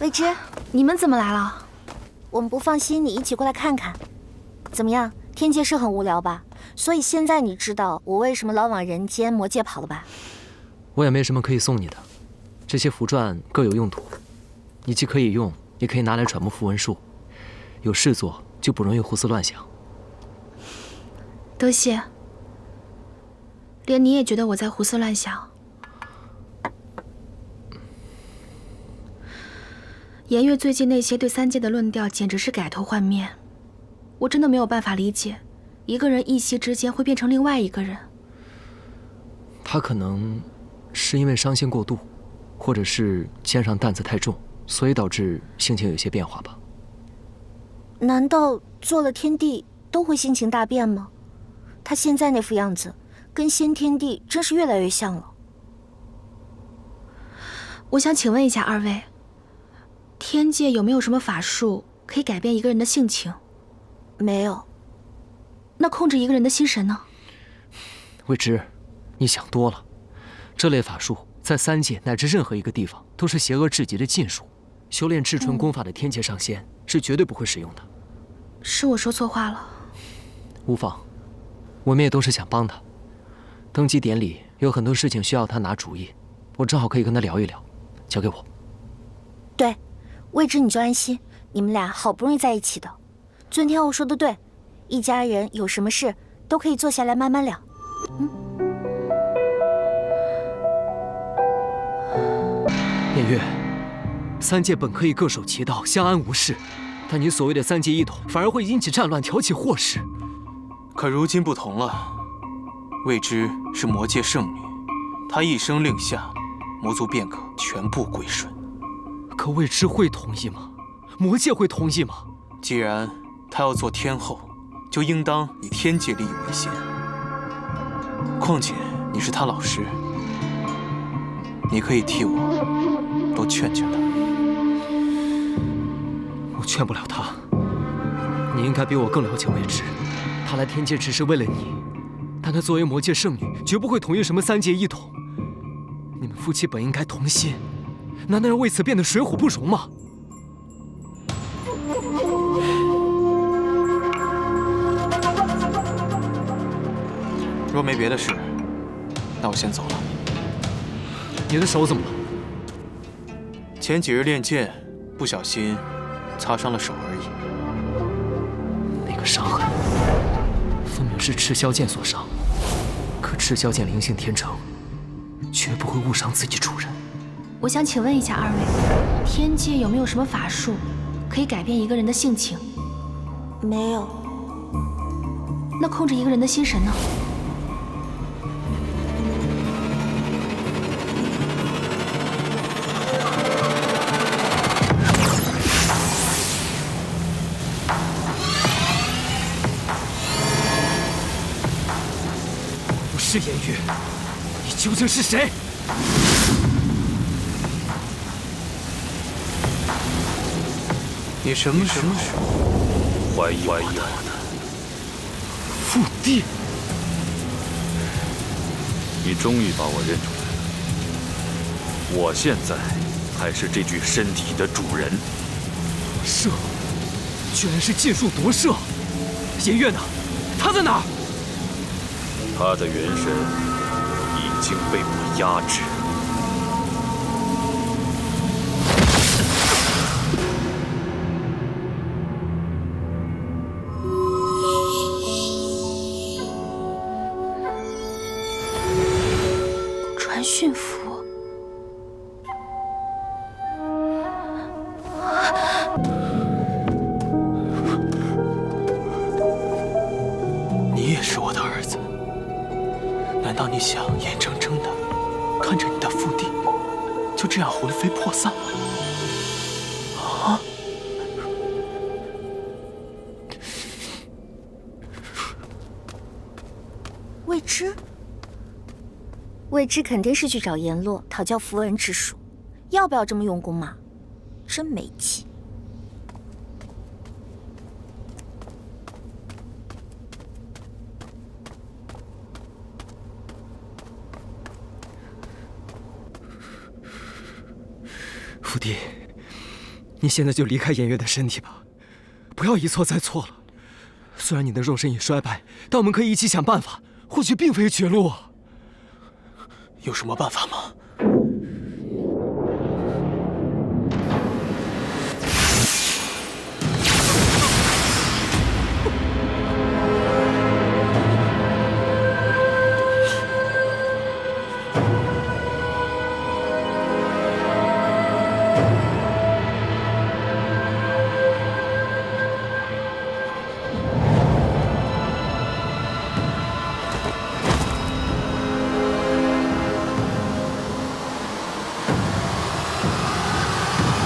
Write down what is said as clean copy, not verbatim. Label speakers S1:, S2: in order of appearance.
S1: 未知，
S2: 你们怎么来了？
S1: 我们不放心你一起过来看看。怎么样，天界是很无聊吧？所以现在你知道我为什么老往人间魔界跑了吧？
S3: 我也没什么可以送你的，这些符篆各有用途，你既可以用，也可以拿来揣摩符文术。有事做就不容易胡思乱想。
S2: 多谢。连你也觉得我在胡思乱想？颜月最近那些对三界的论调简直是改头换面，我真的没有办法理解，一个人一夕之间会变成另外一个人。
S3: 他可能是因为伤心过度，或者是肩上担子太重，所以导致性情有些变化吧。
S1: 难道做了天帝都会性情大变吗？他现在那副样子，跟先天帝真是越来越像了。
S2: 我想请问一下二位，天界有没有什么法术可以改变一个人的性情？
S1: 没有。
S2: 那控制一个人的心神呢？
S3: 未知，你想多了。这类法术在三界乃至任何一个地方都是邪恶至极的禁术，修炼至纯功法的天界上仙是绝对不会使用的。
S2: 是我说错话了。
S3: 无妨，我们也都是想帮他。登基典礼有很多事情需要他拿主意，我正好可以跟他聊一聊。交给我。
S1: 对，未知你就安心，你们俩好不容易在一起的。尊天后说的对，一家人有什么事都可以坐下来慢慢聊。
S3: 颜月，三界本可以各守其道，相安无事，但你所谓的三界一统，反而会引起战乱，挑起祸事。
S4: 可如今不同了，未知是魔界圣女，她一声令下，魔族便可全部归顺。
S3: 可未知会同意吗？魔界会同意吗？
S4: 既然她要做天后，就应当以天界利益为先。况且你是她老师，你可以替我多劝劝她。
S3: 我劝不了她。你应该比我更了解未知。她来天界只是为了你，但她作为魔界圣女，绝不会同意什么三界一统。你们夫妻本应该同心，难道要为此变得水火不容吗？
S4: 若没别的事，那我先走了。
S3: 你的手怎么了？
S4: 前几日练剑，不小心擦伤了手而已。
S3: 那个伤痕，分明是赤霄剑所伤。可赤霄剑灵性天成，绝不会误伤自己主人。
S2: 我想请问一下二位，天界有没有什么法术可以改变一个人的性情？
S1: 没有。
S2: 那控制一个人的心神呢？
S3: 不是颜月，你究竟是谁？
S4: 你什么时候
S5: 怀疑我的
S3: 父帝？
S5: 你终于把我认出来了。我现在才是这具身体的主人。
S3: 射，居然是禁术夺射！颜月呢？他在哪儿？
S5: 他的元神已经被我压制。
S2: 传讯符。
S4: 你也是我的儿子，难道你想眼睁睁的看着你的父帝就这样魂飞魄散吗？啊！
S1: 未知，未知肯定是去找阎罗讨教符文之术，要不要这么用功嘛？真没气。
S3: 父帝， 你现在就离开颜月的身体吧，不要一错再错了。虽然你的肉身已衰败，但我们可以一起想办法，或许并非绝路啊。
S4: 有什么办法吗？